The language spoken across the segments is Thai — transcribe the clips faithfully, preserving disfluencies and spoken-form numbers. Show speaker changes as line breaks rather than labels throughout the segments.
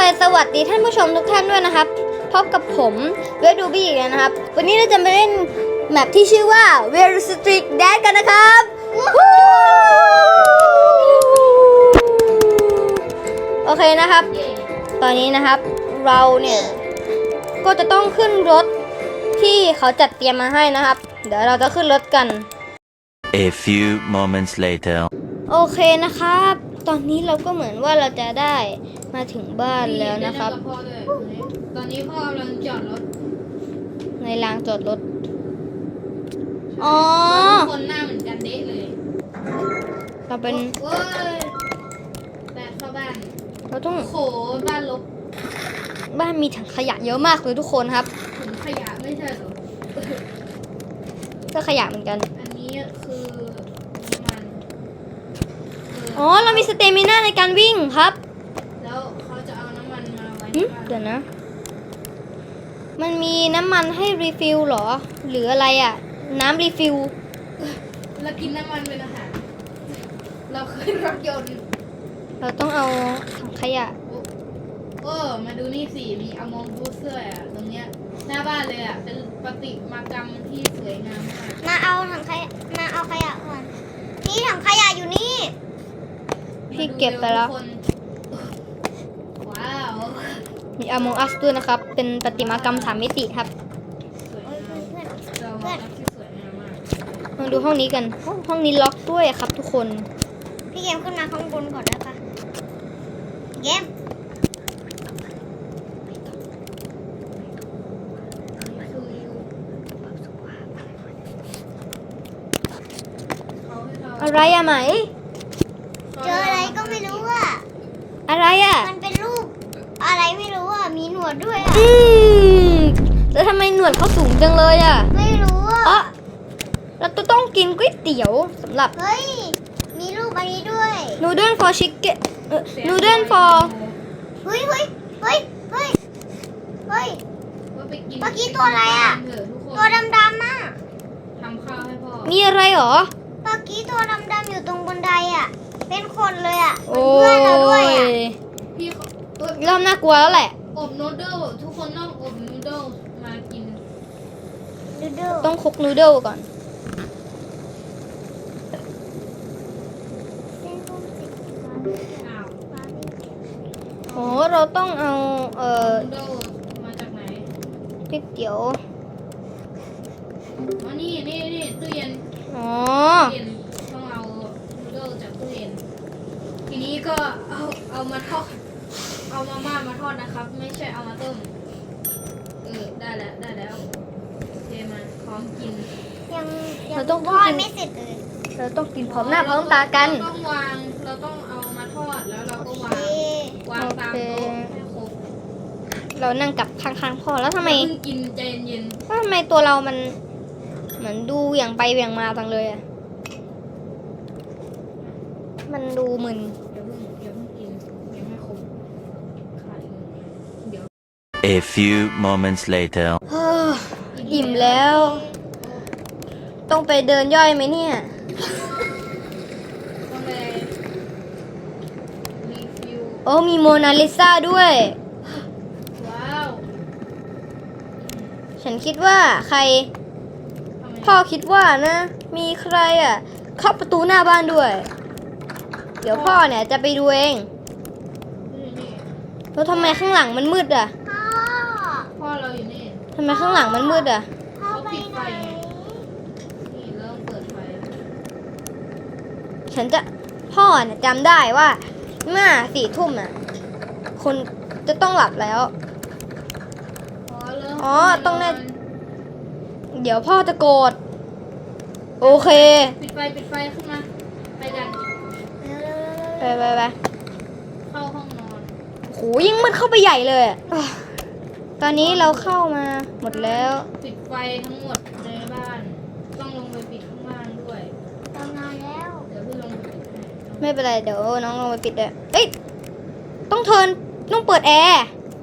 สวัสดีท่านผู้ชมทุกท่านด้วยนะครับพบกับผมเวดูบี้อีกแล้วนะครับวันนี้เราจะมาเล่นแมปที่ชื่อว่า Where Street Dance กันนะครับโอเคนะครับตอนนี้นะครับเราเนี่ยก็จะต้องขึ้นรถที่เขาจัดเตรียมมาให้นะครับเดี๋ยวเราจะขึ้นรถกัน
A few moments later
โอเคนะครับตอนนี้เราก็เหมือนว่าเราจะได้มาถึงบ้านแล้วนะครับ
ตอนนี้พ่อกำลังจอดรถ
ในลานจอดรถอ๋อ
คนหน้าเหมือนกันเด๊ะเลย
เราเป็น
โอ้ยแต่เข้าบ้าน
เราต้อง
โขบ้านลบ
บ้านมีถังขยะเยอะมากเลยทุกคนครับ
ถุงขยะไม่ใช่เหรอ
ก็ขยะเหมือนกัน
อันนี้คือน้ำมันเ
อ๋อเรามีสเตมิน่าในการวิ่งครับ
แล้วเขาจะเอาน้ำมันมาไว้
หึ
ในบ้าน
เดี๋ยวนะ มันมีน้ำมันให้รีฟิลเหรอหรืออะไรอ่ะน้ำรีฟิล
เรากินน้ำมันเป็นอาหารเราขึ้นรถยนต์
เราต้องเอาถังขยะ
โอ้มาดูนี่สิมีอมองบูเซอร์อ่ะตรงเนี้ยหน้าบ้านเลยอ่ะเป็นประติมากรรมที่สวยงามมาก
มาเอาถังขยะมาเอาขยะก่อนนี่ถังขยะอยู่นี่
พี่เก็บไปแล้ว
มาดูเร็ทุกคนว้าว
มีอ m มองอัสด้วยนะครับเป็นประติมากรรมสามมิติครับ
สวย
โอ้ย
งาม
เพื่อน
เราว่าที่สวยงามมาก
มาดูห้องนี้กันห้องห้องนี้ล็อกด้วยครับทุกคน
พี่เกมขึ้นมาข้างบนก่อนได้ปะเกม
นี่คือเขาให้เรา
อะไรอะไหม
เจออะไรก็ไม่รู้อ่ะ
อะไรอะ
มันเป็นรูปอะไรไม่รู้อ่ะมีหนวดด้วยอ่ะ
อืมแล้วทำไมหนวดเขาสูงจังเลยอะ
ไม่รู้อ่ะ
อ๋อเราต้องกินก๋วยเตี๋ยวสำหรับ
เฮ้ยมีรูปอันนี้ด้วย
noodle for chicken เอ่อ noodle for
เฮ้ยเฮ้ยเฮ้ยเฮ้ยเฮ้ย
ว่าไปกิน
เมื่อกี้ตัวอะไรอะ
เถทุกคน
ตัวดำๆอ่ะ
ทำข้าวให้พ่อ
มีอะไรหรอ
เมื่อกี้ตัวดำๆอยู่ตรงบันไดอ่ะเป็นคนเลยอ่ะเป็
โอ้
นเพื่อนเราด้วยอ่ะ
ย
พี่เขาเออ
เริ่มน่ากลัวแล้วแหละ
อบนูเดิลทุกคนต้องอบนูเดิลมากิน
ดูดู
ต้องคลุกนูเดิลก่อน
อ้าว
โอ้เราต้องเอาเอ่อ
นูเดิลมาจากไหน
ก๋วยเตี๋ยว
อ๋อนี่นี่นี่ตู้เย็น
อ๋อ
ตู้เย็นต้องเอานูเดิลจากตู้เย็นทีนี้ก็เอาเอามาทอดเอามาม่ามาทอดนะครับ ไม่ใช่เอามาต้มเออได้แล้วได้แล้วโอเคมาพร้อมกิน
ยังยั
เราต้อง
ทอด
กิน
ไม่เสร็จเลย
เราต้องกินพร้อมหน้าพร้อมตากัน
เราต้องวางเราต้องเอามาทอดแล้วเราก็วาง
เอ๊ะ
วางตามโต๊ะให้ครบ
เรานั่งกับข้างๆพ่อแล้วทำไม
อย่าเพิ่งกินใจเย็น
ว่าทำไมตัวเรามันเหมือนดูเหวี่ยงไปเหวี่ยงมาจังเลยอะมันดูมึน
ๆอย่าเพิ่งอย่าเพิ่งกินยังไม่ครบขาดอีกหนึ่งเดี๋ยว
A few moments later
เฮ้ออิ่มแล้ว ต้องไปเดินย่อยไหมเนี่ย
ต้องไปรีฟิว
โอ้มีโมนาลิซาด้วย
ว้าว
ฉันคิดว่าใคร
ทำไม
พ่อคิดว่านะ มีใครอ่ะเข้าประตูหน้าบ้านด้วย เดี๋ยวพ่อเนี่ยจะไปดูเอง
นี่นี่
แล้วทำไมข้างหลังมันมืดอ่ะ
พ่อ
พ่อเราอยู่นี่
ทำไมข้างหลังมันมืดอ่ะ
พ่อไปไหน
นี่เริ่มเปิดไฟแล้ว
ฉันจะพ่อเนี่ยจำได้ว่าเมื่อสี่ทุ่มอ่ะคนจะต้องหลับแล้ว
อ๋อเริ่ม
อ๋อต้องแน่ เดี๋ยวพ่อจะโกรธโอเค
ปิดไฟปิดไฟขึ้นมาไปกัน
ไปไปไป
เข้าห้องนอน
โหยิ่งมืดเข้าไปใหญ่เลยอะอ่ะตอนนี้เราเข้ามาหมดแล้ว
ปิดไฟทั้งหมดในบ้าน ต้องลงไปปิดข้างล่างด้วย
ตอนนอนแล้ว
เดี๋ยวพี่ลงไปปิดให้
ไม่เป็นไรเดี๋ยวน้องลงไปปิดเลยเอ้ยต้องเทิร์นต้องเปิดแอร์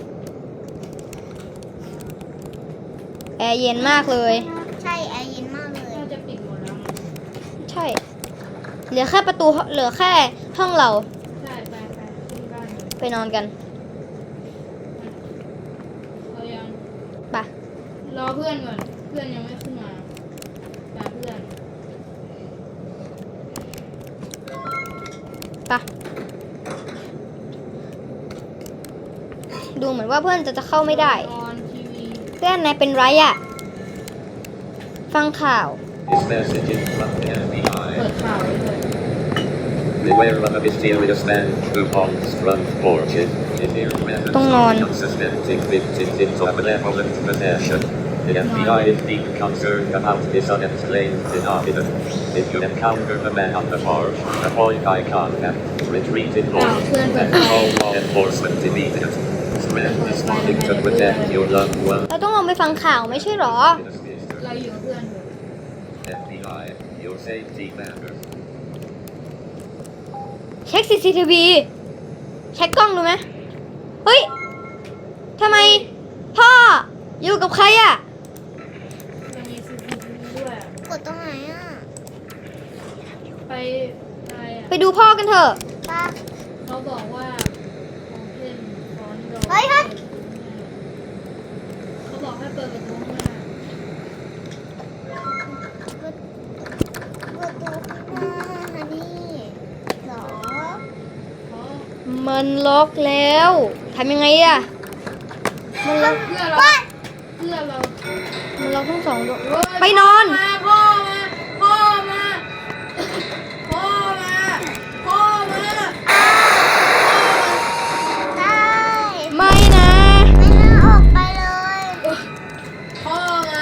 แอร์เย็นมากเลย
ใช่แอร์เย็นมากเลย
น่าจะปิดหมดแล้วมั้ง
ใช่ เหลือแค่ประตูเหลือแค่ห้องเรา
ใช่ไปไปที่บ้านเลย
ไปนอนกัน
เพื่อนก่อนเพื่อนยังไม่ขึ้นมาตามเพื่อน
ปะดูเหมือนว่าเพื่อนจะจะเข้าไม่ได้
นอนทีวี
เพื่อนนายเป็นไรอะฟังข่าว
This message is from the
เปิ
F B I.
ดข่าวไว้เลย
Beware of a mysterious man who haunts front porches. If your methods
Tung
are
non.
unsuspecting victims of benevolent possession, the F B I is deep concerned about this unexplained phenomenon. If you encounter a man on the porch, avoid eye contact, retreat in order, and call law enforcement immediately. Spread this warning to protect your loved one.
เราต้องลองไปฟังข่าวไม่ใช่หรอ
เราอยู่กับเพื่อนอยู่
F B I, your safety matters.
เช็ค ซี ซี ที วี เช็คกล้องดูไหมเฮ้ยทำไมพ่ออยู่กับใครอะ
มันมีซีซีทีวีด้วย
กดตรงไหนอ่ะ
ไปอะไรอ่ะ
ไปดูพ่อกันเถอะ
ป้า
เขาบอกว่าของเล่นฟอนโด
เฮ้ยเฮ้ย
เขาบอกให้เปิดประตูข้างหน้า
กดกดตัวข้างหน้านี่เหรอ
เพราะ
มันล็อกแล้วทำยังไงอะมันล็อก
เพื่อเราเพื่อเรา
มันล็อกทั้งสองดวง
เฮ้ย
ไปนอน
มาพ่อมาพ่อมาพ่อมาพ่อมา
ได้
ไม่นะ
ไม่น่าออกไปเลย
พ่อมา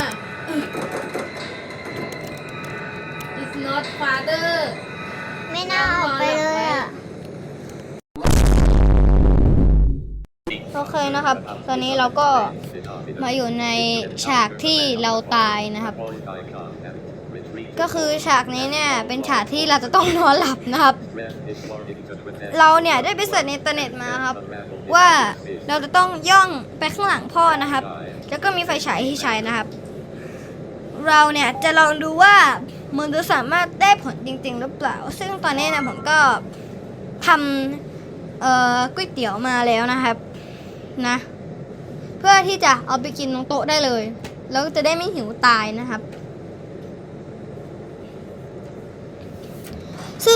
It's not father
ไม่น่าออกไปเลยอ่ะ
โอเคนะครับ ตอนนี้เราก็มาอยู่ในฉากที่เราตายนะครับ ก็คือฉากนี้เนี่ยเป็นฉากที่เราจะต้องนอนหลับนะครับ เราเนี่ยได้ไปเสิร์ชในอินเทอร์เน็ตมาครับ ว่าเราจะต้องย่องไปข้างหลังพ่อนะครับ แล้วก็มีไฟฉายให้ใช้นะครับ เราเนี่ยจะลองดูว่ามันจะสามารถได้ผลจริงๆหรือเปล่า ซึ่งตอนนี้เนะผมก็ทำเอ่อก๋วยเตี๋ยวมาแล้วนะครับนะเพื่อที่จะเอาไปกินตรงโต๊ะได้เลย แล้วจะได้ไม่หิวตายนะครับ ซึ่ง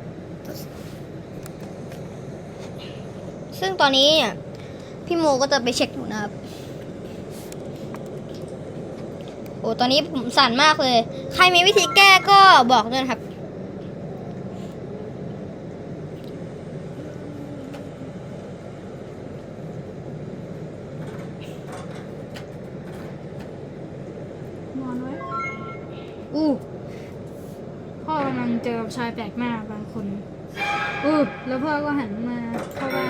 ซึ่งตอนนี้เนี่ยพี่โมก็จะไปเช็คอยู่นะครับ โอ้ตอนนี้ผมสั่นมากเลย ใครมีวิธีแก้ก็บอกด้วยนะครับ
นอนไว้อู้พ่อกำลังเจอกับชายแปลกหน้าบางคนอู้แล้วพ่อก็หันมาเข้าบ้าน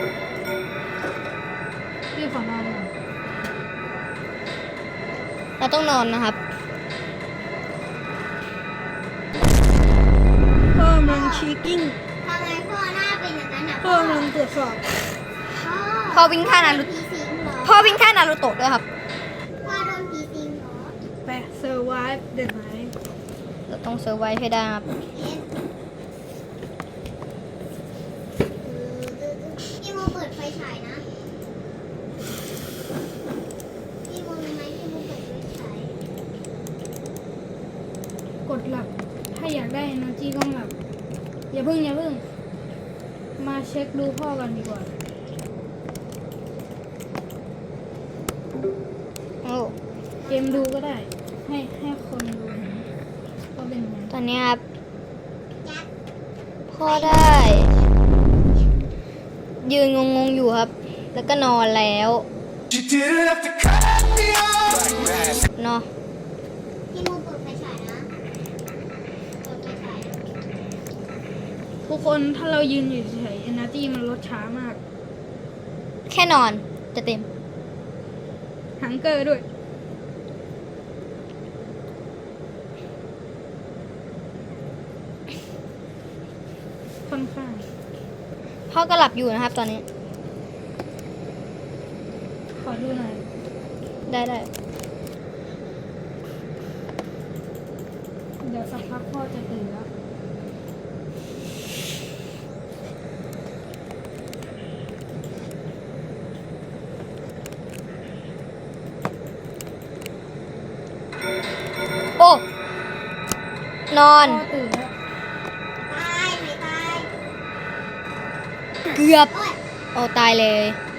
รีบขอนอนก่อน
เราต้องนอนนะครับพ่อมันชีกิ้ง
ทำไมพ่อหน้าเป็นอย่างนั้นอ่ะ
พ่อมันตรวจสอบ
พ่อ
พ่อวิ่งท่านารุ
ผีสิงเหรอ
พ่อวิ่งท่านารุโตะด้วยครับ
พ่อโดนผีสิงเหรอ
ไปเซอร์ไวฟ์เดินไหม
เราต้องเซอร์ไวให้ได้ครับ
เอ็นพี่โมเปิดไฟฉายนะพี่โมรู้ไหมพี่โมเปิดไฟฉาย
กดหลับ ถ้าอยากได้ energy ก็หลับ อย่าเพิ่งอย่าเพิ่ง มาเช็คดูพ่อกันดีกว่า
โอ้
เกมดูก็ได้ ให้ให้คนดูเห็นว่าเป็นยังไง
ตอนนี้ครับ พ่อได้ ยืนงงๆอยู่ครับ แล้วก็นอนแล้วเนาะ
พี่โมเปิดไฟฉายนะเปิดไฟฉาย
ทุกคนถ้าเรายืนอยู่เฉยๆ energy มันลดช้ามาก
แค่นอนจะเต็ม
ฮังเกอร์ด้วย ค่อนข้าง
พ่อก็หลับอยู่นะครับ ตอนนี้
ขอดูหน่อย
ได้ได้
เดี๋ยวสักพักพ่อจะตื่นแล้ว
นอน
พ่อตื่นแล้ว
ตายไม่ตาย
เกือบ
โอ๊ย
โอ้ตายเลย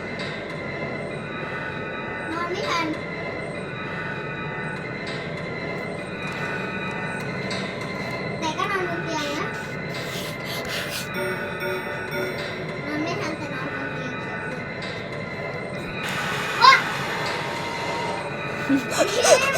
นอนไม่ทันแต่ก็นอนบนเตียงนะนอนไม่ทันแต่นอนบนเตียงเฉยๆโอ๊ย